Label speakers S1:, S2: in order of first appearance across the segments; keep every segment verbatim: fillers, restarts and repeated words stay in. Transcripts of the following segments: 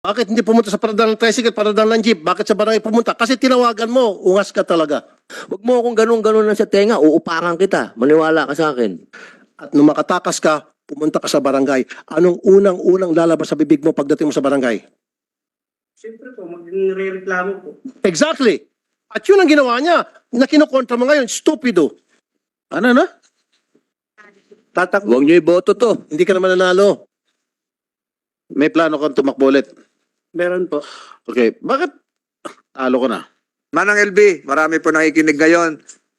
S1: Bakit hindi pumunta sa paradal ng tricycle, paradal ng jeep? Bakit sa barangay pumunta? Kasi tinawagan mo, ungas ka talaga.
S2: Huwag mo akong ganun-ganun lang sa tenga, uupakan kita. Maniwala ka sa akin.
S1: At nung makatakas ka, pumunta ka sa barangay. Anong unang-unang lalabas sa bibig mo pagdating mo sa barangay?
S3: Siyempre po, magre-reklamo po.
S1: Exactly. At yun ang ginawa niya. Na kinukontra mo ngayon, stupido. Ano na? Tatak,
S2: Huwag niyo iboto to.
S1: hindi ka naman nanalo. May plano kang tumakbo ulit.
S3: Meron po.
S1: Okay, bakit talo ko na?
S4: Manang L B, marami po nakikinig ngayon.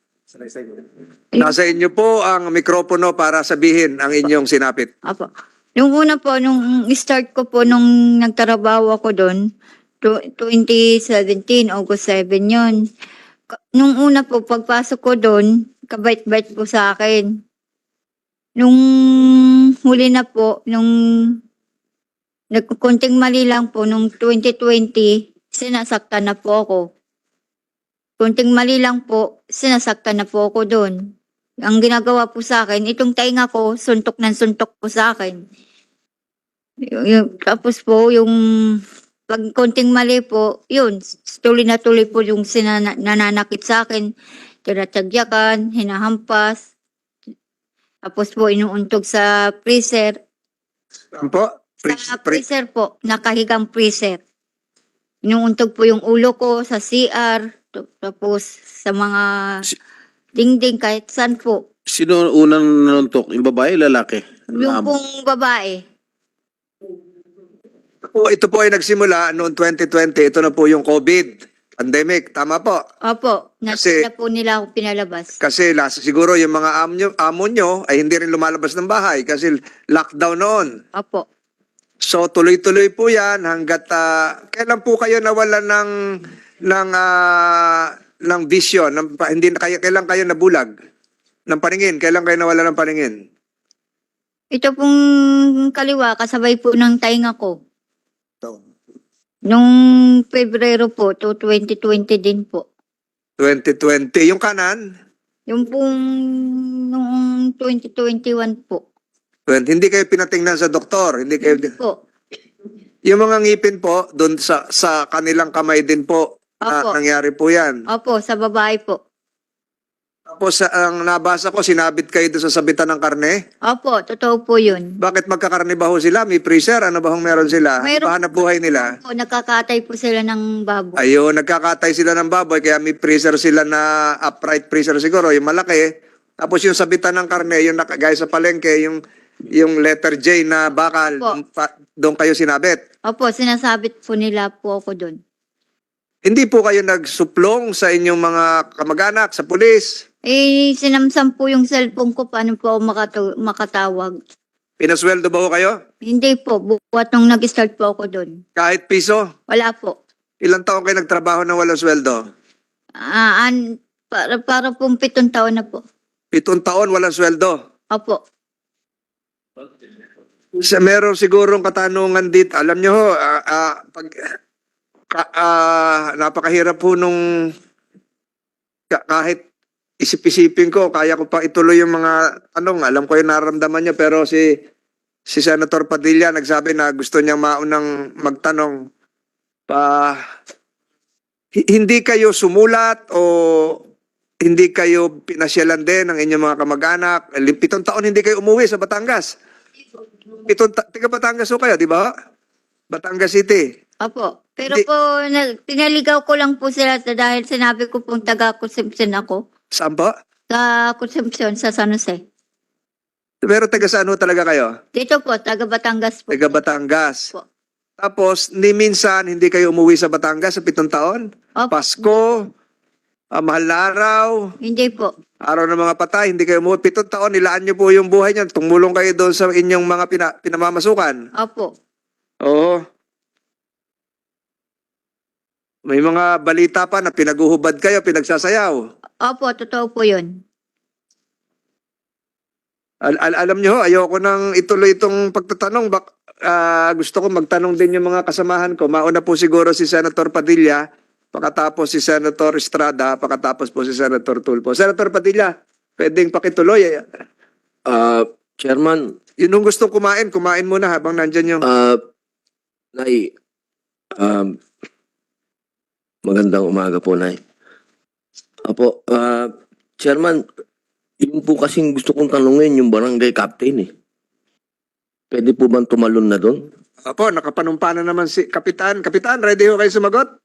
S4: Nasa inyo po ang mikropono para sabihin ang inyong sinapit.
S5: Apo. Nung una po, nung start ko po, nung nagtrabaho ako doon, twenty seventeen, August seven yun. Ka- Nung una po, pagpasok ko doon, kabait-bait po sa akin. Nung huli na po, nung nagkunting mali lang po, nung twenty twenty, sinasaktan na po ako. Kunting mali lang po, sinasaktan na po ako doon. Ang ginagawa po sa akin, itong tainga ko, suntok ng suntok po sa akin. Y- yung, tapos po, yung pag konting mali po, yun, tuloy na tuloy po yung sinana, nananakit sa akin. Tinatagyakan, hinahampas. Tapos po, inuuntog sa freezer.
S4: Ano po? Pre-
S5: Sa
S4: pre-
S5: freezer po, nakahigang freezer. Inuuntog po yung ulo ko sa C R, t- tapos sa mga
S1: Si-
S5: dingding, kahit saan po.
S1: Sino unang nanuntok? Yung babae, lalaki?
S5: Yung pong babae.
S4: po, ito po ay nagsimula noong twenty twenty. Ito na po yung COVID pandemic. Tama po.
S5: Opo,
S4: Kasi-
S5: nasa na po nila ako pinalabas.
S4: Kasi last, siguro yung mga amo nyo, amo nyo ay hindi rin lumalabas ng bahay kasi lockdown noon.
S5: Opo.
S4: So tuloy-tuloy po yan hanggat ah, kailan po kayo nawalan ng ng ah, ng vision, ng, pa- hindi na kayo kailan kayo nabulag ng paningin, kailan kayo nawalan ng paningin?
S5: Ito pong kaliwa, kasabay po ng tainga ko. Nung Pebrero po, to twenty twenty din po.
S4: twenty twenty. Yung kanan,
S5: Yung pong noong twenty twenty-one po.
S4: twenty, hindi kayo pinatingnan sa doktor, hindi kayo
S5: Po.
S4: yung mga ngipin po doon sa sa kanilang kamay din po na
S5: Opo.
S4: nangyari po 'yan.
S5: Opo, sa babae po.
S4: Tapos sa ang nabasa ko sinabit kayo doon sa sabitan ng karne.
S5: Opo, totoo po yun.
S4: Bakit magkakarne ba ho sila? May freezer? Ano ba hong meron sila?
S5: Mayroon-
S4: Pahanap buhay nila?
S5: Opo, nakakatay po sila ng baboy.
S4: Ayun, nagkakatay sila ng baboy kaya may freezer sila na upright freezer siguro, yung malaki. Tapos yung sabitan ng karne, yung nakagaya sa palengke, yung yung letter J na bakal,
S5: Opo.
S4: yung pa- doon kayo sinabit.
S5: Opo, sinasabit po nila po ako doon.
S4: Hindi po kayo nagsuplong sa inyong mga kamag-anak, sa pulis?
S5: Eh, sinamsam po yung cellphone ko, paano po ako makatu- makatawag?
S4: Pinasweldo ba ho kayo?
S5: Hindi po, buwat nung nag-start po ako doon.
S4: Kahit piso?
S5: Wala po.
S4: Ilang taon kayo nagtrabaho ng walang sweldo?
S5: Ah, an, para, para pong pitong taon na po.
S4: Pitong taon walang sweldo.
S5: Opo.
S4: Sa meron sigurong katanungan dito. Alam nyo ho, ah, ah, pag, ka, ah, napakahirap po nung ka- kahit isip-isipin ko, kaya ko pa ituloy yung mga tanong. Alam ko yung nararamdaman niya, pero si si Senator Padilla nagsabi na gusto niyang maunang magtanong. Pa, hi- hindi kayo sumulat o hindi kayo pinasyalan din ng inyong mga kamag-anak? Pitong taon hindi kayo umuwi sa Batangas. Pitong ta- tiga Batangas ho kayo, di ba? Batangas City.
S5: Opo. Pero
S4: Hindi-
S5: po, na, pinaligaw ko lang po sila sa- dahil sinabi ko pong taga-consumption ako.
S4: Saan po?
S5: Sa consumption sa San Jose.
S4: Pero taga saan ho talaga kayo?
S5: Dito po, taga Batangas po.
S4: Taga Batangas.
S5: Po.
S4: Tapos, ni minsan, hindi kayo umuwi sa Batangas sa pitong taon?
S5: Opo.
S4: Pasko, ah, mahal na araw,
S5: Hindi po.
S4: araw ng mga patay, hindi kayo umuwi. Pitong taon, nilaan niyo po yung buhay niyo. Tumulong kayo doon sa inyong mga pina- pinamamasukan.
S5: Opo.
S4: Oo. May mga balita pa na pinaguhubad kayo, pinagsasayaw.
S5: Opo, totoo po yun.
S4: Al- al- alam niyo, ho, ayoko nang ituloy itong pagtatanong. Bak ah, gusto ko magtanong din yung mga kasamahan ko. Mauna po siguro si Senator Padilla, pakatapos si Senator Estrada, pakatapos po si Senator Tulfo. Senator Padilla, pwedeng pakituloy.
S2: Ah, Chairman,
S4: Yun yung gustong kumain, kumain muna habang nandyan yung...
S2: ah, Nay, Um, magandang umaga po, Nay. Apo, ah, Chairman, yun po kasing gusto kong tanungin yung barangay captain eh. Pwede po bang tumalon na doon?
S4: Apo, nakapanumpa na naman si Kapitan. Kapitan, ready ho kayo sumagot?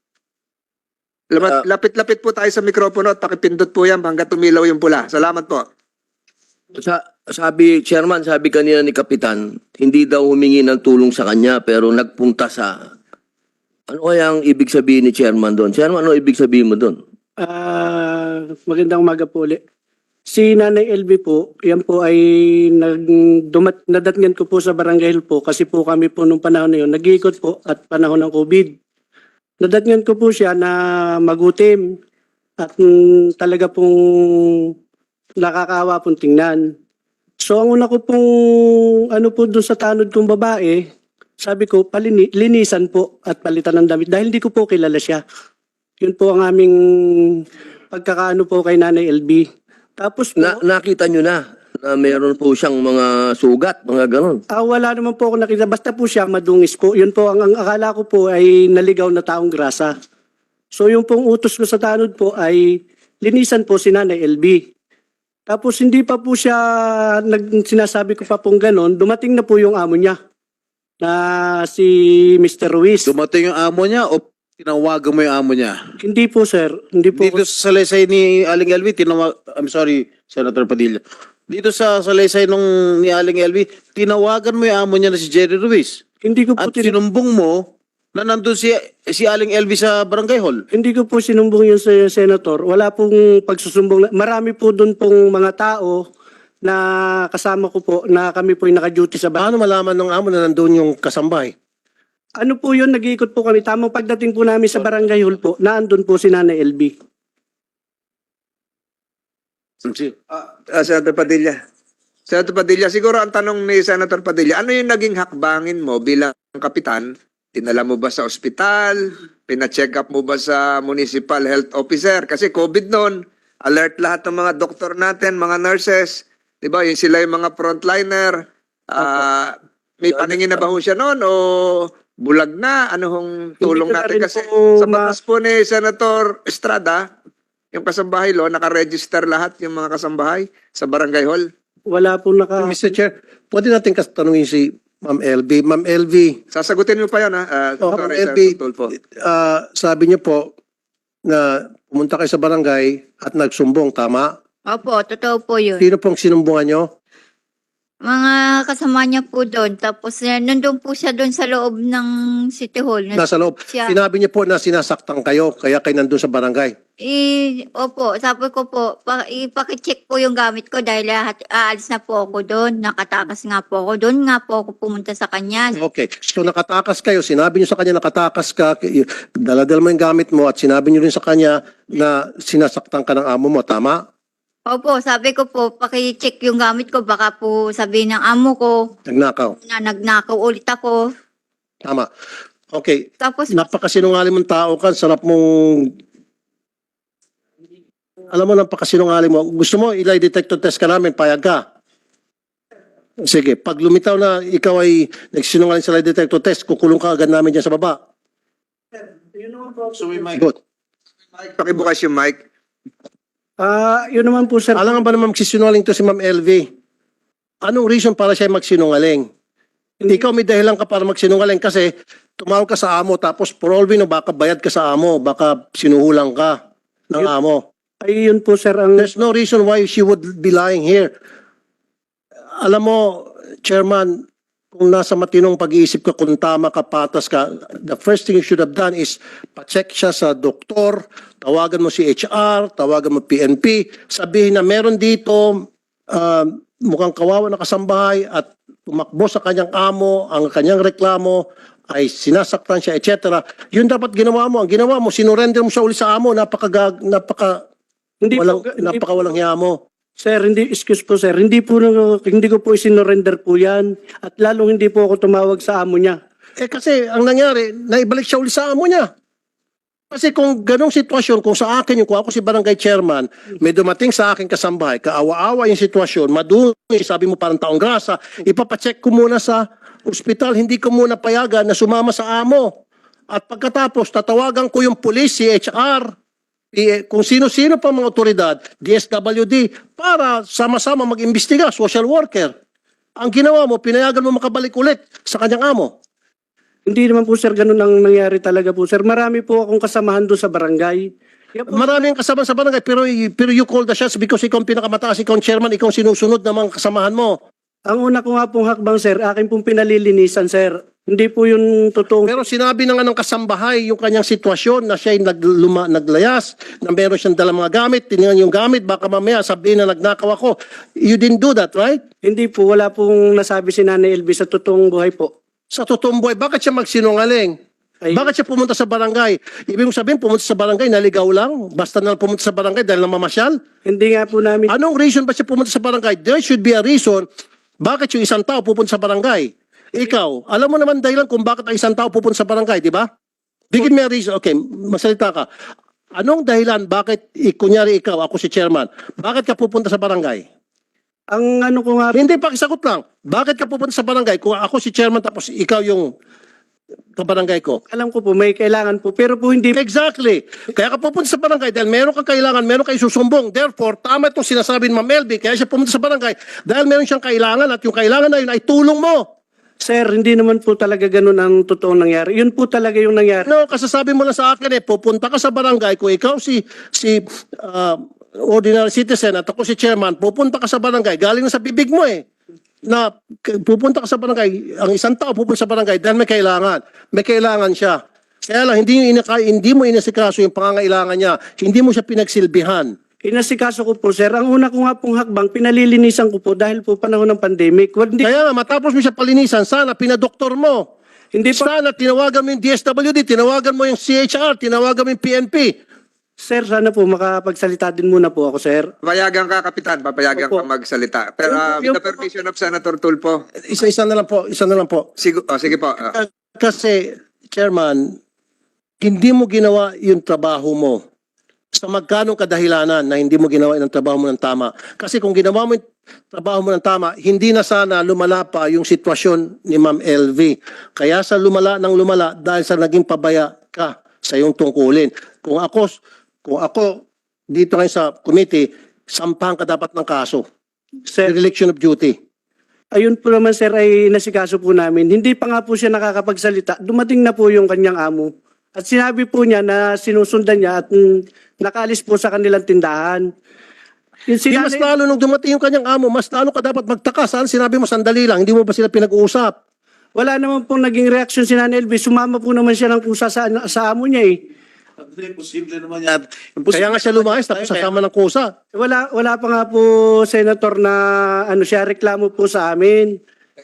S4: Lamat-
S2: Ah.
S4: Lapit-lapit po tayo sa mikropono at pakipindot po yan hanggang tumilaw yung pula. Salamat po.
S2: Sa, sabi, Chairman, sabi kanina ni Kapitan, hindi daw humingi ng tulong sa kanya pero nagpunta sa... Ano kaya ang ibig sabihin ni Chairman doon? Chairman, ano ibig sabihin mo doon?
S3: Ah, magandang umaga po ulit. Si Nanay L B po, yan po ay nag, dumat, nadatngan ko po sa Barangay Hill po kasi po kami po nung panahon na yun, nag-iikot po at panahon ng COVID. Nadatngan ko po siya na magutim at mm, talaga pong nakakaawa pong tingnan. So ang una ko pong ano po doon sa tanod kong babae, sabi ko palini, linisan po at palitan ng damit dahil hindi ko po kilala siya. Yun po ang aming pagkakaano po kay Nanay L B. Tapos po,
S2: Na, nakita nyo na na meron po siyang mga sugat, mga ganon.
S3: ah, wala naman po ako nakita. Basta po siya madungis po. Yun po, ang, ang akala ko po ay naligaw na taong grasa. So yung pong utos ko sa tanod po ay linisan po si Nanay L B. Tapos hindi pa po siya, nag, sinasabi ko pa pong ganon, dumating na po yung amo niya na si Mister Ruiz.
S1: Dumating yung amo niya o tinawagan mo yung amo niya?
S3: Hindi po sir, hindi po.
S1: Dito sa salaysay ni Aling L V, tinawag, I'm sorry, Senator Padilla. Dito sa salaysay nung ni Aling L V, tinawagan mo yung amo niya na si Jerry Ruiz.
S3: Hindi ko po
S1: At
S3: tin-
S1: sinumbong mo na nandun si, si Aling L V sa barangay hall.
S3: Hindi ko po sinumbong yun sa senator. Wala pong pagsusumbong. Marami po doon pong mga tao na kasama ko po na kami po yung naka-duty sa bahay.
S1: Paano malaman ng amo na nandun yung kasambay?
S3: Ano po yun, nag-iikot po kami. Tamang pagdating po namin sa barangay hall po, naandun po si Nanay L B.
S4: Ah, Senator Padilla. Senator Padilla, siguro ang tanong ni Senator Padilla, ano yung naging hakbangin mo bilang kapitan? Tinala mo ba sa ospital? Pina-check up mo ba sa municipal health officer? Kasi COVID noon, alert lahat ng mga doktor natin, mga nurses. Di ba? Yung sila yung mga frontliner. Ah, may paningin na ba ho siya noon o bulag na? Ano hong tulong
S3: Hindi ko na
S4: natin?
S3: rin
S4: Kasi
S3: po
S4: sa
S3: ma-
S4: batas po ni Senator Estrada, yung kasambahay lo, nakaregister lahat yung mga kasambahay sa barangay hall.
S3: Wala po naka...
S1: Mister Chair, pwede natin kas- tanungin si Ma'am L V. Ma'am L V,
S4: Sasagutin mo pa yan, ha? Uh,
S1: Oh,
S4: sorry,
S1: Ma'am L V,
S4: Senator Tulfo.
S1: ah, sabi niyo po na pumunta kayo sa barangay at nagsumbong, tama?
S5: Opo, totoo po yun.
S1: Sino pong sinumbungan niyo?
S5: Mga kasama niya po doon. Tapos eh, nandun po siya doon sa loob ng City Hall. Na,
S1: Nasa loob.
S5: siya.
S1: Sinabi niyo po na sinasaktan kayo, kaya kayo nandun sa barangay.
S5: I, opo, sabi ko po, pa, ipakicheck po yung gamit ko dahil lahat, aalis na po ako doon. Nakatakas nga po ako doon. Nga po ako pumunta sa kanya.
S1: Okay. So nakatakas kayo, sinabi niyo sa kanya nakatakas ka, k- daladal mo yung gamit mo at sinabi niyo rin sa kanya na sinasaktan ka ng amo mo, tama?
S5: Opo, sabi ko po, pakicheck yung gamit ko. Baka po sabihin ng amo ko
S1: Nagnakaw.
S5: na nagnakaw ulit ako.
S1: Tama. Okay.
S5: Tapos,
S1: Napakasinungaling mong tao ka, sarap mong... Alam mo, napakasinungaling mo. Gusto mo, ilay detector test ka namin, payag ka. Sige, pag lumitaw na ikaw ay nagsinungaling sa lie detector test, kukulong ka agad namin dyan sa baba. Good.
S4: Mike, pakibukas yung mic.
S3: Ah, yun naman po sir.
S1: Alam nga ba naman magsisinungaling to si Ma'am L V? Anong reason para siya magsinungaling? Hindi ikaw may dahilan ka para magsinungaling kasi tumawag ka sa amo tapos for all we know, baka bayad ka sa amo, baka sinuhulang ka ng amo.
S3: Ay, yun po sir ang...
S1: There's no reason why she would be lying here. Alam mo, Chairman, kung nasa matinong pag-iisip ka, kung tama ka, patas ka, the first thing you should have done is pa-check siya sa doktor, tawagan mo si H R, tawagan mo P N P, sabihin na meron dito uh, mukhang kawawa na kasambahay at tumakbo sa kanyang amo, ang kanyang reklamo ay sinasaktan siya, et cetera. Yun dapat ginawa mo. Ang ginawa mo, sinurrender mo siya uli sa amo, napaka, napaka,
S3: Hindi
S1: walang,
S3: po, hindi
S1: napaka walang hiya mo.
S3: Sir, hindi, excuse po sir, hindi po, hindi ko po isinorender po yan. At lalong hindi po ako tumawag sa amo niya.
S1: Eh kasi ang nangyari, naibalik siya uli sa amo niya. Kasi kung ganong sitwasyon, kung sa akin, yung kung ako si barangay chairman, may dumating sa akin kasambahay, kaawa-awa yung sitwasyon, madumi, sabi mo parang taong grasa, ipapacheck ko muna sa ospital, hindi ko muna payagan na sumama sa amo. At pagkatapos, tatawagan ko yung police, C H R, P- kung sino-sino pa mga otoridad, D S W D, para sama-sama mag-imbestiga, social worker. Ang ginawa mo, pinayagan mo makabalik ulit sa kanyang amo.
S3: Hindi naman po sir ganun ang nangyari talaga po sir. Marami po akong kasamahan doon sa barangay. Yan po,
S1: Maraming kasama sa barangay, pero, pero you call the shots because ikaw ang pinakamataas, ikaw ang chairman, ikaw ang sinusunod ng mga kasamahan mo.
S3: ang una ko nga pong hakbang sir, akin pong pinalilinisan sir. Hindi po yung totoong...
S1: Pero sinabi na nga ng kasambahay yung kanyang sitwasyon na siya ay nagluma, naglayas, na meron siyang dalang mga gamit, tinignan yung gamit, baka mamaya sabihin na nagnakaw ako. You didn't do that, right?
S3: Hindi po, wala pong nasabi si Nanay L V sa totoong buhay po.
S1: Sa totoong buhay, bakit siya magsinungaling?
S3: Ay,
S1: Bakit siya pumunta sa barangay? Ibig mong sabihin, pumunta sa barangay, naligaw lang? Basta na lang pumunta sa barangay dahil namamasyal?
S3: Hindi nga po namin...
S1: Anong reason ba siya pumunta sa barangay? There should be a reason bakit yung isang tao pupunta sa barangay. Ikaw, alam mo naman dahilan kung bakit ang isang tao pupunta sa barangay, di ba? Bigyan mo a reason. Okay, masalita ka. Anong dahilan bakit, eh, kunyari ikaw, ako si chairman, bakit ka pupunta sa barangay?
S3: Ang ano ko nga...
S1: Hindi, pakisagot lang. Bakit ka pupunta sa barangay kung ako si chairman tapos ikaw yung kabarangay ko?
S3: Alam ko po, may kailangan po. Pero po hindi...
S1: Exactly. Kaya ka pupunta sa barangay dahil meron kang kailangan, meron kang susumbong. Therefore, tama itong sinasabi ni Ma'am Elby, kaya siya pumunta sa barangay dahil meron siyang kailangan at yung kailangan na yun ay tulong mo.
S3: Sir, hindi naman po talaga ganun ang totoong nangyari. Yun po talaga yung nangyari.
S1: No, kasasabi mo lang sa akin eh, pupunta ka sa barangay, kung ikaw si, si ah, ordinary citizen at ako si chairman, pupunta ka sa barangay, galing na sa bibig mo eh. Na k- pupunta ka sa barangay, ang isang tao pupunta sa barangay dahil may kailangan. May kailangan siya. Kaya lang, hindi, inaka, hindi mo inasikaso yung pangangailangan niya. Hindi mo siya pinagsilbihan.
S3: Inasikaso ko po, sir. Ang una ko nga pong hakbang, pinalilinisan ko po dahil po panahon ng pandemic. Well, Hindi,
S1: Kaya nga, matapos mo siya palinisan, sana pinadoktor mo.
S3: hindi po,
S1: Sana tinawagan mo yung D S W D, tinawagan mo yung C H R, tinawagan mo yung P N P.
S3: sir, sana po makapagsalita din muna po ako, sir.
S4: Papayagan ka, Kapitan. Papayagan
S3: Opo.
S4: ka magsalita. Pero uh, with the permission of Senator Tulfo.
S1: Isa-isa na lang po, isa na lang po.
S4: Sigo, oh, sige po. ah.
S1: Kasi, Chairman, hindi mo ginawa yung trabaho mo sa magkanong kadahilanan na hindi mo ginawa yung trabaho mo ng tama. Kasi kung ginawa mo yung trabaho mo ng tama, hindi na sana lumala pa yung sitwasyon ni Ma'am L V. Kaya sa lumala ng lumala dahil sa naging pabaya ka sa iyong tungkulin. Kung ako, kung ako dito ngayon sa committee, sampahan ka dapat ng kaso.
S3: Sir,
S1: Dereliction of duty.
S3: ayun po naman, sir, ay nasikaso po namin. Hindi pa nga po siya nakakapagsalita. Dumating na po yung kanyang amo. At sinabi po niya na sinusundan niya at mm, nakaalis po sa kanilang tindahan. Yung
S1: Di mas
S3: sinanay-
S1: lalo nung dumating yung kanyang amo, mas lalo ka dapat magtaka. Saan sinabi mo sandali lang, hindi mo ba sila pinag-uusap?
S3: Wala naman pong naging reaksyon si Nanay L V. Sumama po naman siya ng kusa sa, sa amo niya eh.
S6: Imposible naman yan.
S1: Kaya nga siya lumayas, tapos sasama ng kusa.
S3: Wala, wala pa nga po, Senator, na ano siya, reklamo po sa amin.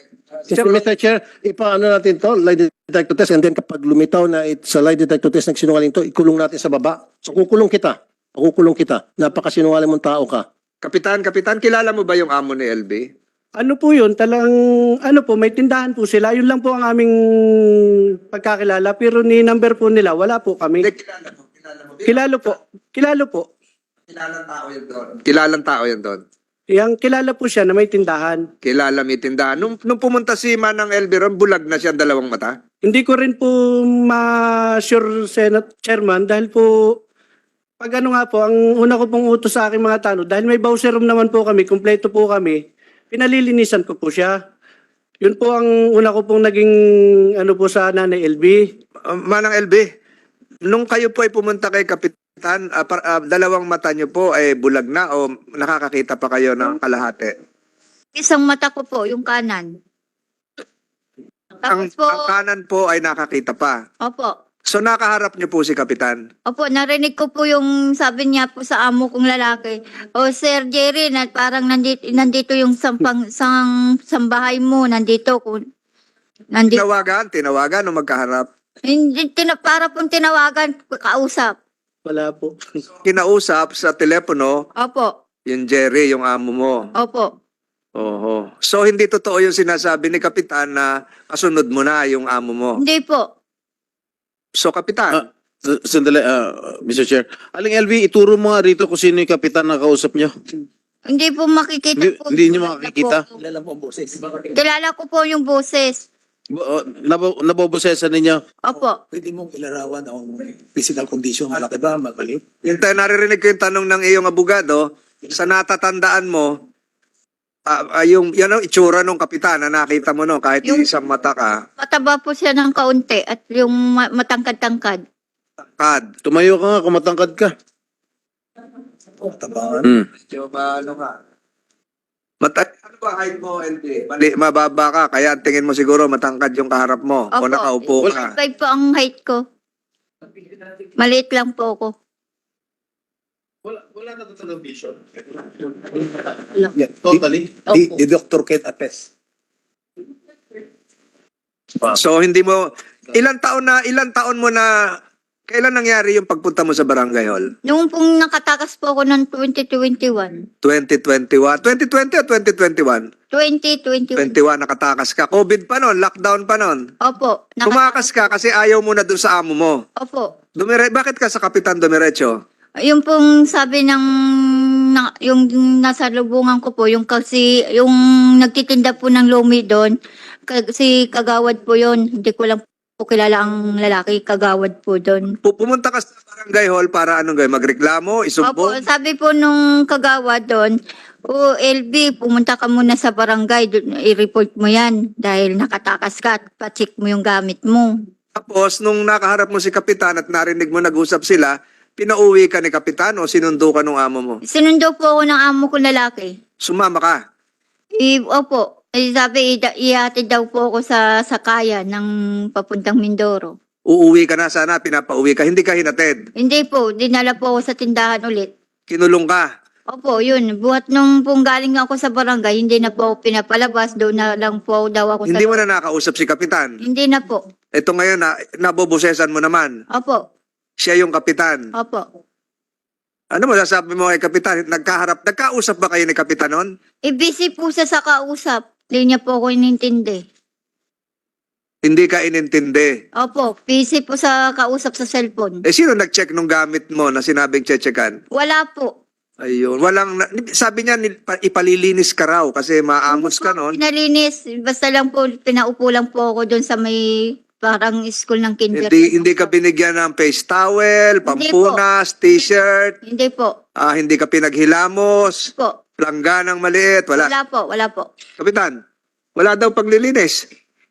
S1: Mister Chair, ipaano natin to, lie detector test, and then kapag lumitaw na it, sa lie detector test nagsinungaling to, ikulong natin sa baba. So kukulong kita, kukulong kita. Napakasinungaling mong tao ka.
S4: Kapitan, Kapitan, kilala mo ba yung amo ni L B?
S3: Ano po yun, talang, ano po, may tindahan po sila. Yun lang po ang aming pagkakilala. Pero ni number po nila, wala po kami.
S4: Hindi, kilala mo. Kilala mo.
S3: Kilalo po. Kilalo po.
S4: Kilalang tao yun doon. Kilalang tao yun doon.
S3: Yang kilala po siya na may tindahan.
S4: Kilala may tindahan. Nung, nung pumunta si Manang L B ron, bulag na siya ang dalawang mata.
S3: Hindi ko rin po ma-sure, Senate Chairman, dahil po, pag ano nga po, ang una ko pong utos sa aking mga tanong, dahil may bowser room naman po kami, kumpleto po kami, pinalilinisan ko po siya. Yun po ang una ko pong naging ano po sa Nanay L B.
S4: Uh, Manang L B, nung kayo po ay pumunta kay Kapitan, ah, par- ah, dalawang mata niyo po ay bulag na o nakakakita pa kayo ng kalahati?
S5: Isang mata ko po, yung kanan.
S4: Ang,
S5: Tapos po,
S4: ang kanan po ay nakakita pa.
S5: opo.
S4: So nakaharap niyo po si Kapitan.
S5: Opo, narinig ko po yung sabi niya po sa amo kong lalaki. O Sir Jerry, na parang nandito, nandito yung sampang, sang, sambahay mo, nandito. Kung, nandito.
S4: Tinawagan, tinawagan o magkaharap.
S5: Hindi, tina, para pong tinawagan, kausap.
S3: Wala po.
S4: Kinausap sa telepono
S5: Opo,
S4: yung Jerry, yung amo mo.
S5: opo.
S4: Oho. So hindi totoo yung sinasabi ni Kapitan na kasunod mo na yung amo mo.
S5: Hindi po.
S4: So Kapitan,
S6: Ah, s- Sandali, ah, Mister Chair. Aling L V, ituro mo nga rito kung sino yung kapitan na kausap nyo.
S5: Hindi po makikita
S6: Hindi-
S5: po.
S6: hindi niyo
S5: Kilala
S6: makikita?
S5: po ako. Kilala ko po yung boses.
S6: Bo- oh, nabo, nabobosesan ninyo?
S5: Opo.
S7: Pwede mong ilarawan ang physical condition, malaki ba, mabalik?
S4: Yung tayo naririnig ko yung tanong ng iyong abogado, sa natatandaan mo, ah, ah, yung, yan ang itsura ng kapitan na nakita mo no, kahit
S5: Yung-
S4: isang mata ka,
S5: Mataba po siya ng kaunti at yung ma- matangkad-tangkad.
S4: kad.
S6: Tumayo ka nga kung matangkad ka.
S7: Tabangan.
S6: Hmm.
S4: Yung ano ka? Mata ano ba height mo, L P? Mali, mababa ka, kaya ang tingin mo siguro matangkad yung kaharap mo o
S5: Opo.
S4: nakaupo ka.
S5: five po ang height ko. Maliit lang po ako.
S6: Wala, wala na talagang vision.
S5: Wala.
S7: Yeah.
S6: Totally.
S7: Di, di doctor can attest.
S4: So hindi mo, ilang taon na, ilang taon mo na, kailan nangyari yung pagpunta mo sa Barangay Hall?
S5: Noong pong nakatakas po ako ng twenty twenty-one.
S4: twenty twenty-one? twenty twenty o twenty twenty-one?
S5: twenty twenty-one.
S4: twenty-one, nakatakas ka. COVID pa nun, lockdown pa nun.
S5: Opo. Naka-
S4: Tumakas ka kasi ayaw mo na dun sa amo mo.
S5: Opo.
S4: Dumire bakit ka sa Kapitan Dumiretso?
S5: Yung pong sabi ng na, yung nasa lubungan ko po, yung kasi yung nagtitinda po ng lumi doon, kasi kagawad po yon. Hindi ko lang po kilala ang lalaki, kagawad po doon.
S4: Pu- Pumunta ka sa Barangay Hall para anong gawin? Magreklamo?
S5: Opo,
S4: Isumbong?
S5: sabi po nung kagawad doon, o L B, pumunta ka muna sa barangay, dun, i-report mo yan dahil nakatakas ka at pa-check mo yung gamit mo.
S4: Tapos, nung nakaharap mo si Kapitan at narinig mo nag-usap sila, pinauwi ka ni Kapitan o sinundo ka nung amo mo?
S5: Sinundo po ako ng amo ko lalaki.
S4: Sumama ka.
S5: I, opo, eh, sabi, ida- ihatid daw po ako sa sakaya ng papuntang Mindoro.
S4: Uuwi ka na sana, pinapauwi ka. Hindi ka hinatid.
S5: Hindi po, dinala po ako sa tindahan ulit.
S4: Kinulong ka.
S5: Opo, yun. Buhat nung pong galing ako sa barangay, hindi na po ako pinapalabas. Doon na lang po daw ako
S4: Hindi
S5: sa...
S4: mo na nakausap si Kapitan.
S5: Hindi na po.
S4: Ito ngayon, na, nabobosesan mo naman.
S5: Opo,
S4: Siya yung Kapitan.
S5: opo.
S4: Ano mo sasabi mo kay Kapitan? Nagkaharap, nagkausap ba kayo ni Kapitan nun?
S5: E busy po siya sa kausap. Hindi niya po ako inintindi.
S4: Hindi ka inintindi.
S5: Opo, busy po sa kausap sa cellphone.
S4: Eh, sino nag-check nung gamit mo na sinabing chechekan?
S5: Wala po.
S4: Ayun. Walang, na- sabi niya, nil- pa- ipalilinis ka raw kasi maamos ka nun.
S5: Pinalinis. Basta lang po, pinaupo lang po ako doon sa may parang school ng kinder.
S4: Hindi, hindi ka binigyan ng face towel, pampunas, t-shirt,
S5: Hindi po.
S4: ah, hindi ka pinaghilamos,
S5: Po.
S4: langganang maliit, wala.
S5: Wala po, wala po.
S4: Kapitan, wala daw paglilinis.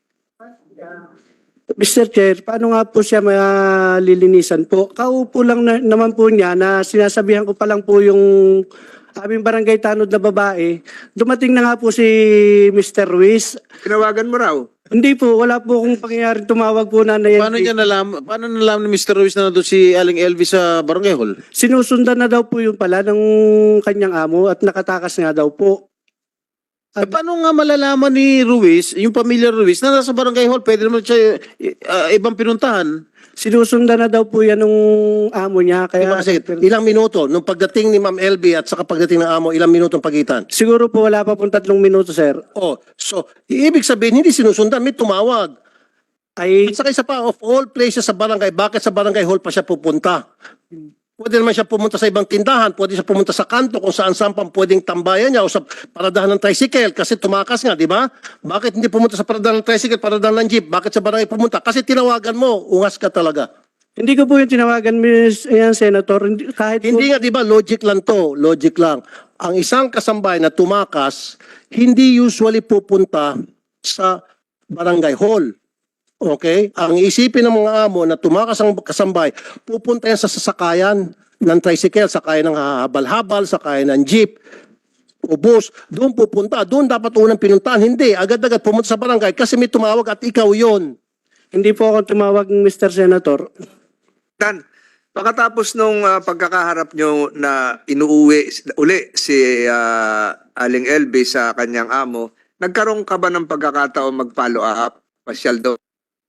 S3: Mister Chair, paano nga po siya malilinisan po? Kaupo lang na, naman po niya na sinasabihan ko pa lang po yung aming barangay tanod na babae. Dumating na nga po si Mister Ruiz.
S4: Tinawagan mo raw.
S3: Hindi po, wala po akong pangyayari tumawag po na na
S6: Paano niya nalaman, paano nalaman ni Mister Ruiz na nandun si Aling Elvis sa Barangay Hall?
S3: Sinusundan na daw po yung pala ng kanyang amo at nakatakas nga daw po.
S6: Eh, paano nga malalaman ni Ruiz, yung pamilya Ruiz, na nasa Barangay Hall, pwede naman siya uh, ibang pinuntahan?
S3: Sinusundan na daw po yan ng amo niya. Kaya,
S1: Diba kasi ilang minuto, nung pagdating ni Ma'am L B at saka pagdating ng amo, ilang minuto ang pagitan?
S3: siguro po wala pa pong tatlong minuto, sir.
S1: Oh, so, ibig sabihin, hindi sinusundan, may tumawag.
S3: Ay,
S1: At saka isa pa, of all places sa barangay, bakit sa barangay hall pa siya pupunta? Pwede naman siya pumunta sa ibang tindahan, pwede siya pumunta sa kanto kung saan saan pang pwedeng tambayan niya o sa paradahan ng tricycle kasi tumakas nga, di ba? Bakit hindi pumunta sa paradahan ng tricycle, paradahan ng jeep? Bakit sa barangay pumunta? Kasi tinawagan mo, ungas ka talaga.
S3: hindi ko po yung tinawagan, Miss yan, Senator. Hindi, kahit po,
S1: Hindi nga, di ba, logic lang to, logic lang. Ang isang kasambay na tumakas, hindi usually pupunta sa barangay hall. Okay? Ang isipin ng mga amo na tumakas ang kasambay, pupunta yan sa sasakayan ng tricycle, sakayan ng habal-habal, sakayan ng jeep, o bus. Doon pupunta. Doon dapat unang pinuntahan. Hindi. Agad-agad pumunta sa barangay kasi may tumawag at ikaw yon.
S3: hindi po ako tumawag, Mister Senator.
S4: Dan, pagkatapos nung ah, pagkakaharap nyo na inuuwi uli si ah, Aling L B sa kanyang amo, nagkaroon ka ba ng pagkakataon mag-follow up? Pasyal daw.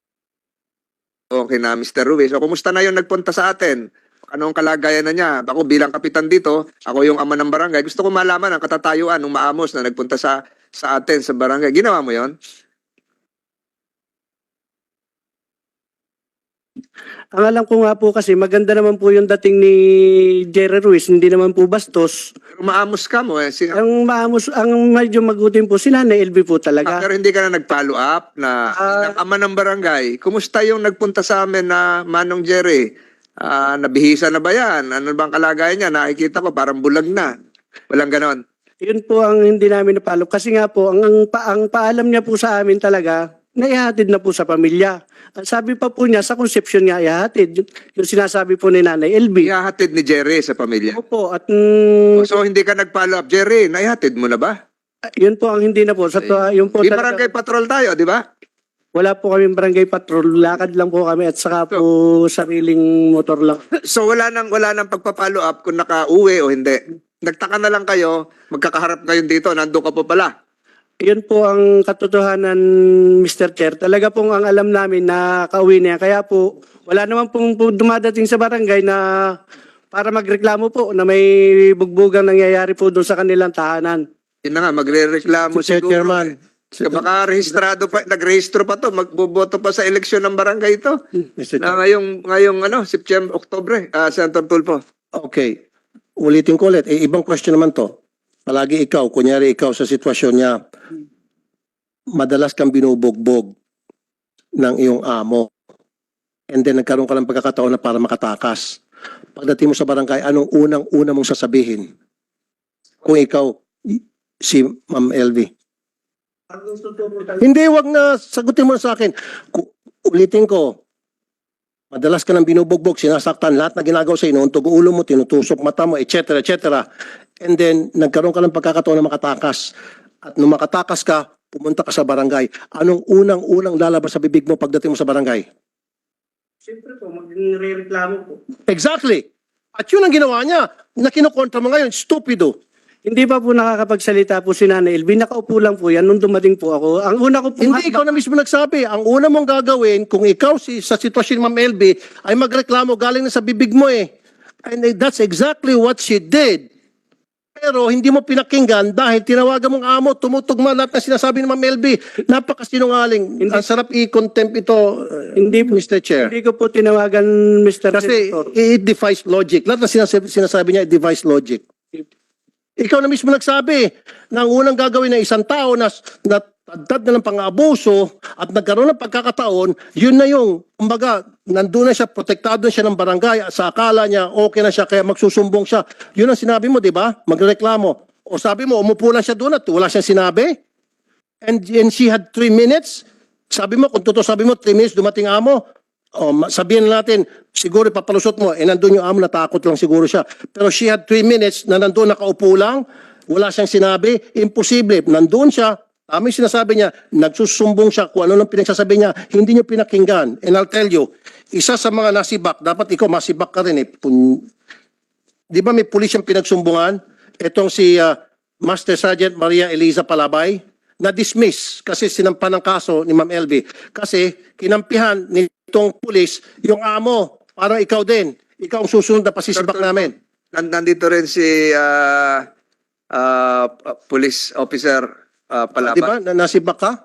S4: Okay na, Mister Ruiz. O, kumusta na yung nagpunta sa atin? Anong kalagayan na niya? Ako bilang kapitan dito, ako yung ama ng barangay. Gusto ko malaman ang katatayuan ng maamos na nagpunta sa sa atin sa barangay. Ginawa mo yon?
S3: Ang alam ko nga po kasi maganda naman po yung dating ni Jerry Ruiz, hindi naman po bastos.
S4: Pero maamos ka mo eh. Si,
S3: Ang maamos, ang medyo magutin po si Nanay L B po
S4: Ah,
S3: talaga.
S4: pero hindi ka na nag-follow up na
S3: Ah.
S4: ng ama ng barangay. Kumusta yung nagpunta sa amin na Manong Jerry? Ah, nabihisa na ba yan? Ano bang kalagayan niya? Nakikita ko parang bulag na. Walang ganon.
S3: Yun po ang hindi namin napalo. Kasi nga po, ang, ang, pa, ang paalam niya po sa amin talaga, naihatid na po sa pamilya. Ang sabi pa po niya, sa conception niya, ihatid. Yung, yung sinasabi po ni Nanay L B.
S4: Ihahatid ni Jerry sa pamilya.
S3: Opo, at mm,
S4: So hindi ka nag-follow up. Jerry, naihatid mo na ba?
S3: yun po ang hindi na po. Sa, to, yung po
S4: Di
S3: talaga-
S4: barangay patrol tayo, di ba?
S3: wala po kami barangay patrol. Lakad lang po kami at saka po sariling motor lang.
S4: So wala nang wala nang pagpa-follow up kung naka-uwi o hindi. Nagtaka na lang kayo, magkakaharap ngayon dito, nandun ka po pala.
S3: Yun po ang katotohanan, Mister Chair. Talaga pong ang alam namin na kauwi niya. Kaya po, wala naman pong po dumadating sa barangay na para magreklamo po na may bugbugang nangyayari po doon sa kanilang tahanan.
S4: Yun na nga, magre-reklamo
S1: Mister
S4: siguro.
S1: Chairman.
S4: Eh. Baka rehistrado pa, nagrehistro pa to, magboboto pa sa eleksyon ng barangay ito.
S1: Mister
S4: Na ngayong, ngayong ano, September, Oktobre, ah, Senator Tulfo.
S1: Okay. Ulitin ko ulit. Eh, ibang question naman to. Palagi ikaw, kunyari ikaw sa sitwasyon niya, madalas kang binubugbog ng iyong amo. And then nagkaroon ka ng pagkakataon na para makatakas. Pagdating mo sa barangay, anong unang-una mong sasabihin? Kung ikaw, y- si Ma'am L V. Hindi, wag na. Sagutin mo na sa akin. Ku- ulitin ko. Madalas ka nang binubugbog, sinasaktan, lahat na ginagawa sa inuuntog ulo mo, tinutusok mata mo, et cetera, et cetera. And then, nagkaroon ka ng pagkakataon na makatakas. At nung makatakas ka, pumunta ka sa barangay. Anong unang-unang lalabas sa bibig mo pagdating mo sa barangay?
S3: Siyempre po, magre-reklamo po.
S1: Exactly. At yun ang ginawa niya. Na kinukontra mo ngayon, stupido.
S3: Hindi pa po nakakapagsalita po si Nanay L B. Nakaupo lang po yan nung dumating po ako. Ang una ko po...
S1: Hindi, ikaw na mismo nagsabi. Ang una mong gagawin, kung ikaw si, sa sitwasyon ni Ma'am L B, ay magreklamo galing na sa bibig mo eh. And that's exactly what she did. Pero hindi mo pinakinggan dahil tinawagan mong amo, tumutugma lahat na sinasabi ni Ma'am L B. Napakasinungaling. Ang sarap i-contempt ito, uh,
S3: Hindi po.
S1: Mister Chair.
S3: Hindi ko po tinawagan, Mister
S1: Kasi
S3: Senator.
S1: it defies logic. Lahat na sinasabi, sinasabi niya, it defies logic. Ikaw na mismo nagsabi na ang unang gagawin ng isang tao na natagdad na ng pang-abuso at nagkaroon ng pagkakataon, yun na yung, kumbaga, nandun na siya, protektado na siya ng barangay, sa akala niya, okay na siya, kaya magsusumbong siya. Yun ang sinabi mo, di ba? Magreklamo. O sabi mo, umupo lang siya doon at wala siyang sinabi? And, and she had three minutes? Sabi mo, kung totoo sabi mo, three minutes dumating amo, o ma- sabihin natin, siguro papalusot mo, eh nandun yung amo, natakot lang siguro siya. Pero she had three minutes na nandun nakaupo lang, wala siyang sinabi, imposible. Nandun siya, tama yung sinasabi niya, nagsusumbong siya kung ano nang pinagsasabi niya, hindi niyo pinakinggan. And I'll tell you, isa sa mga nasibak, dapat ikaw masibak ka rin eh. Pun- Di ba may pulis yung pinagsumbungan? Itong si ah, Master Sergeant Maria Eliza Palabay, na-dismiss kasi sinampan ng kaso ni Ma'am L B. Kasi kinampihan nitong pulis yung amo, parang ikaw din. Ikaw ang susunod na pasisibak namin.
S4: Nan- Nandito rin si ah, ah, police officer ah, Palapa.
S1: Di ba? Na nasibak ka?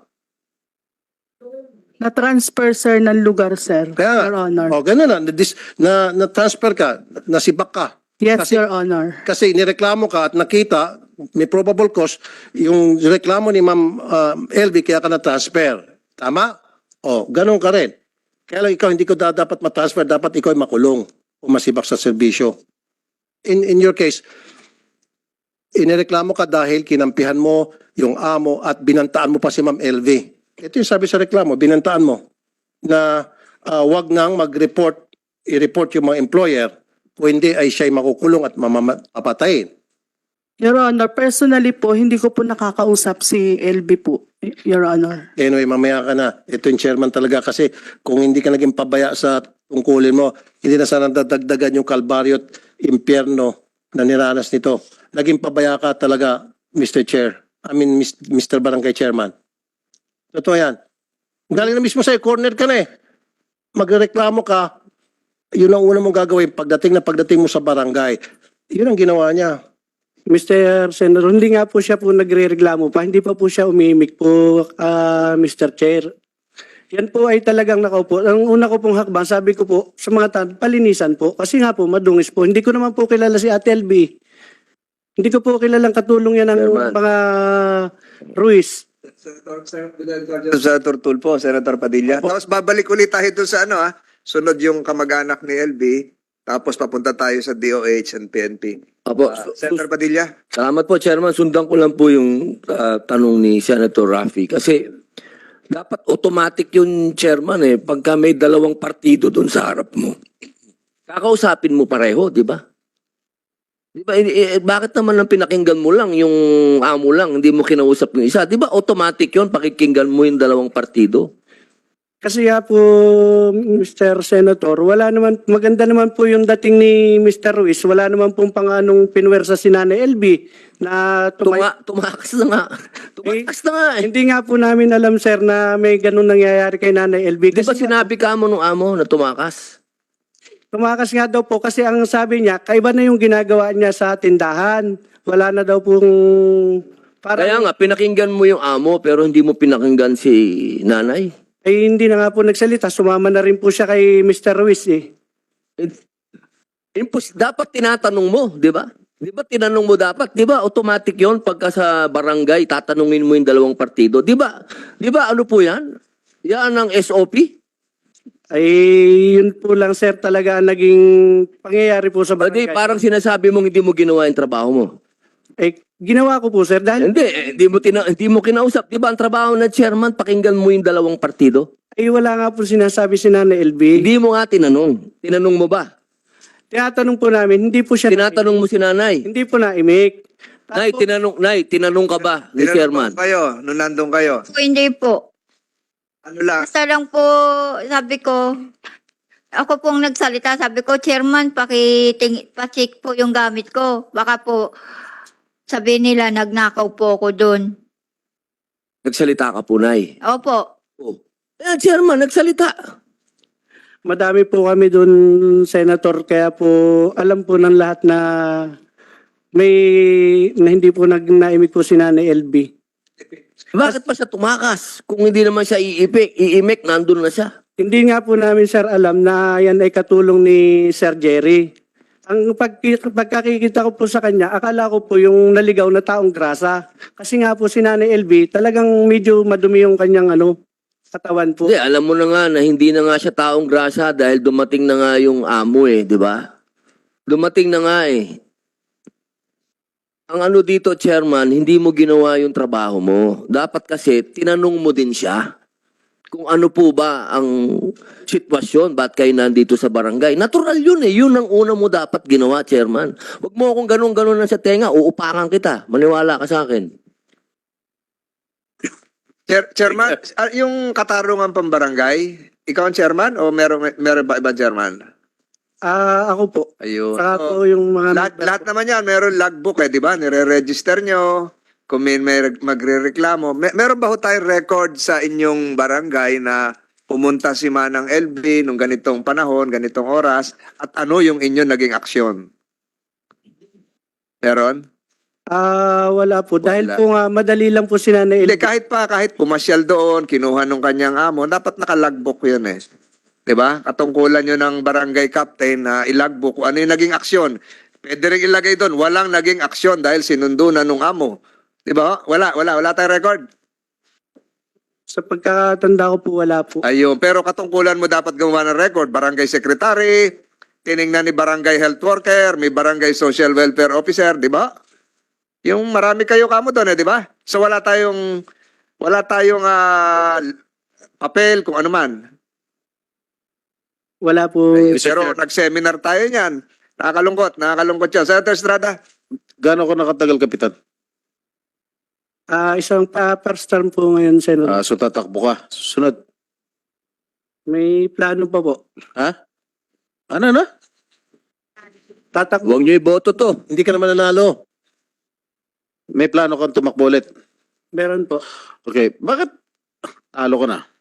S8: Na-transfer, sir, ng lugar, sir.
S1: Kaya nga.
S8: Your Honor.
S1: O, ganun na. Na-dis- Na, na-transfer ka, nasibak ka.
S8: Yes,
S1: kasi-
S8: Your Honor.
S1: Kasi nireklamo ka at nakita, may probable cause, yung reklamo ni Ma'am uh, L B kaya ka na-transfer. Tama? O, ganun ka rin. Kaya lang ikaw hindi ko da- dapat ma-transfer, dapat ikaw ay makulong o masibak sa serbisyo. In, in your case, inireklamo ka dahil kinampihan mo yung amo at binantaan mo pa si Ma'am L V. Ito yung sabi sa reklamo, binantaan mo na uh, wag nang mag-report, i-report yung mga employer o hindi ay siya'y makukulong at mamapatayin.
S8: Your Honor, personally po, hindi ko po nakakausap si L B po, Your Honor.
S1: Anyway, mamaya ka na. Ito yung chairman talaga kasi kung hindi ka naging pabaya sa tungkulin mo, hindi na sana dadagdagan yung kalbaryo at impyerno na niranas nito. Naging pabaya ka talaga, Mister Chair. I mean, Mister Barangay Chairman. Totoo yan. Galing na mismo sa'yo, corner ka na eh. Magreklamo ka, yun ang una mong gagawin pagdating na pagdating mo sa barangay. Yun ang ginawa niya.
S3: Mister Senator, hindi nga po siya po nagre-reklamo pa. Hindi pa po siya umimik po, ah, Mister Chair. Yan po ay talagang nakaupo. Ang una ko pong hakbang, sabi ko po sa mga tan, palinisan po. Kasi nga po, madungis po. Hindi ko naman po kilala si Ate L B. Hindi ko po kilalang katulong yan ng
S2: Chairman.
S3: mga Ruiz.
S4: Senator Tulfo, Senator Padilla. Tapos babalik ulit tayo dun sa ano ah, sunod yung kamag-anak ni L B, tapos papunta tayo sa D O H and P N P.
S2: Apo,
S4: Ah,
S2: su-
S4: Senator Padilla.
S2: salamat po, Chairman. Sundan ko lang po yung ah, tanong ni Senator Raffy. Kasi dapat automatic yung Chairman eh. Pagka may dalawang partido doon sa harap mo, kakausapin mo pareho, di ba? Di ba? Eh, eh, bakit naman ang pinakinggan mo lang, yung amo lang, hindi mo kinausap yung isa? Di ba automatic yun, pakikinggan mo yung dalawang partido?
S3: Kasi nga po, Mister Senator, wala naman, maganda naman po yung dating ni Mister Ruiz. Wala naman pong panganong pinwersa si Nanay L B na tumay-
S2: Tuma tumakas na nga. Tumakas na nga eh.
S3: Hindi nga po namin alam, sir, na may ganun nangyayari kay Nanay L B.
S2: Di ba
S3: Kasi
S2: sinabi ka mo nung amo na tumakas?
S3: tumakas nga daw po kasi ang sabi niya, kaiba na yung ginagawa niya sa tindahan. Wala na daw pong... Parang,
S2: Kaya nga, pinakinggan mo yung amo pero hindi mo pinakinggan si nanay.
S3: ay hindi na nga po nagsalita. Sumama na rin po siya kay Mister Ruiz eh.
S2: Impos dapat tinatanong mo, di ba? Di ba tinanong mo dapat? Di ba automatic yon pagka sa barangay, tatanungin mo yung dalawang partido. Di ba? Di ba ano po yan? Yan ang S O P?
S3: Ay yun po lang, sir, talaga ang naging pangyayari po sa
S2: Hindi,
S3: barangay.
S2: parang sinasabi mong hindi mo ginawa yung trabaho mo.
S3: Eh, ginawa ko po, sir, dahil
S2: Hindi, eh, hindi mo, tina hindi mo kinausap. Di ba ang trabaho ng chairman, pakinggan mo yung dalawang partido?
S3: ay wala nga po sinasabi si Nanay L B.
S2: Hindi mo nga tinanong. Tinanong mo ba?
S3: Tinatanong po namin, hindi po siya...
S2: Tinatanong mo si nanay.
S3: Hindi po na-imik.
S2: Nay, tinanong, nay, tinanong ka ba ni
S4: Tinanong
S2: chairman?
S4: po kayo, nung nandun kayo.
S5: Po, hindi po.
S4: Ano lang,
S5: Basta lang po, sabi ko, ako pong nagsalita, sabi ko, Chairman, pakiting, pacheck po yung gamit ko. Baka po, sabi nila, nagnakaw po ako doon.
S2: Nagsalita ka po, nay.
S5: Opo.
S2: Oh. Eh, chairman, nagsalita.
S3: Madami po kami doon, Senator, kaya po alam po ng lahat na may na hindi po nag naimik po si Nanay L B.
S2: Bakit pa siya tumakas? Kung hindi naman siya iipik, iimik, nandun na siya.
S3: Hindi nga po namin, sir, alam na yan ay katulong ni Sir Jerry. Ang pag, pagkakikita ko po sa kanya, akala ko po yung naligaw na taong grasa. Kasi nga po si Nanay L B, talagang medyo madumi yung kanyang ano, katawan po.
S2: Hindi, alam mo na nga na hindi na nga siya taong grasa dahil dumating na nga yung amo eh, di ba? Dumating na nga eh. Ang ano dito, chairman, hindi mo ginawa yung trabaho mo. Dapat kasi, tinanong mo din siya kung ano po ba ang sitwasyon, ba't kayo nandito sa barangay. Natural yun eh, yun ang una mo dapat ginawa, chairman. Huwag mo akong ganun-ganun na sa tenga, uupakan kita. Maniwala ka sa akin.
S4: Chair, chairman, ah, yung katarungan pambarangay, ikaw ang chairman o meron, meron ba ibang chairman?
S3: Ah, ako po.
S4: Ayun.
S3: Saka
S4: So,
S3: po yung mga...
S4: lahat, lahat naman yan, meron logbook eh, di ba? Nire-register nyo, kung may, may reg- magre-reklamo. Mer- meron ba ho tayong record sa inyong barangay na pumunta si Manang L B nung ganitong panahon, ganitong oras, at ano yung inyong naging aksyon? Meron?
S3: Ah, wala po. Dahil
S4: Wala.
S3: po nga, madali lang po si Nanay L
S4: Hindi,
S3: B.
S4: kahit pa, kahit pumasyal doon, kinuha nung kanyang amo, dapat naka-logbook yun eh. Diba? Katungkulan yun ng barangay captain na ilagbook kung ano yung naging aksyon. Pwede rin ilagay doon, walang naging aksyon dahil sinundo na nung amo. Diba? Wala, wala, wala tayong record.
S3: Sa pagkatanda ko po, wala po.
S4: Ayun, pero katungkulan mo dapat gumawa ng record. Barangay secretary, tiningnan ni barangay health worker, may barangay social welfare officer, di ba? Yung marami kayo kamo doon, eh, di ba? So wala tayong, wala tayong ah, papel kung ano man.
S3: Wala po.
S4: Ayun, pero nag-seminar tayo niyan. Nakakalungkot, nakakalungkot yan. Senator Estrada,
S6: Gaano ko nakatagal, Kapitan?
S3: Ah, isang pa first term po ngayon, Senator.
S6: Ah, so tatakbo ka. Susunod.
S3: May plano pa po.
S6: Ha? Ano na?
S3: Tatakbo.
S2: Huwag niyo iboto to.
S1: Hindi ka naman nanalo.
S6: May plano kang tumakbo ulit.
S3: Meron po.
S6: Okay, bakit talo ko na?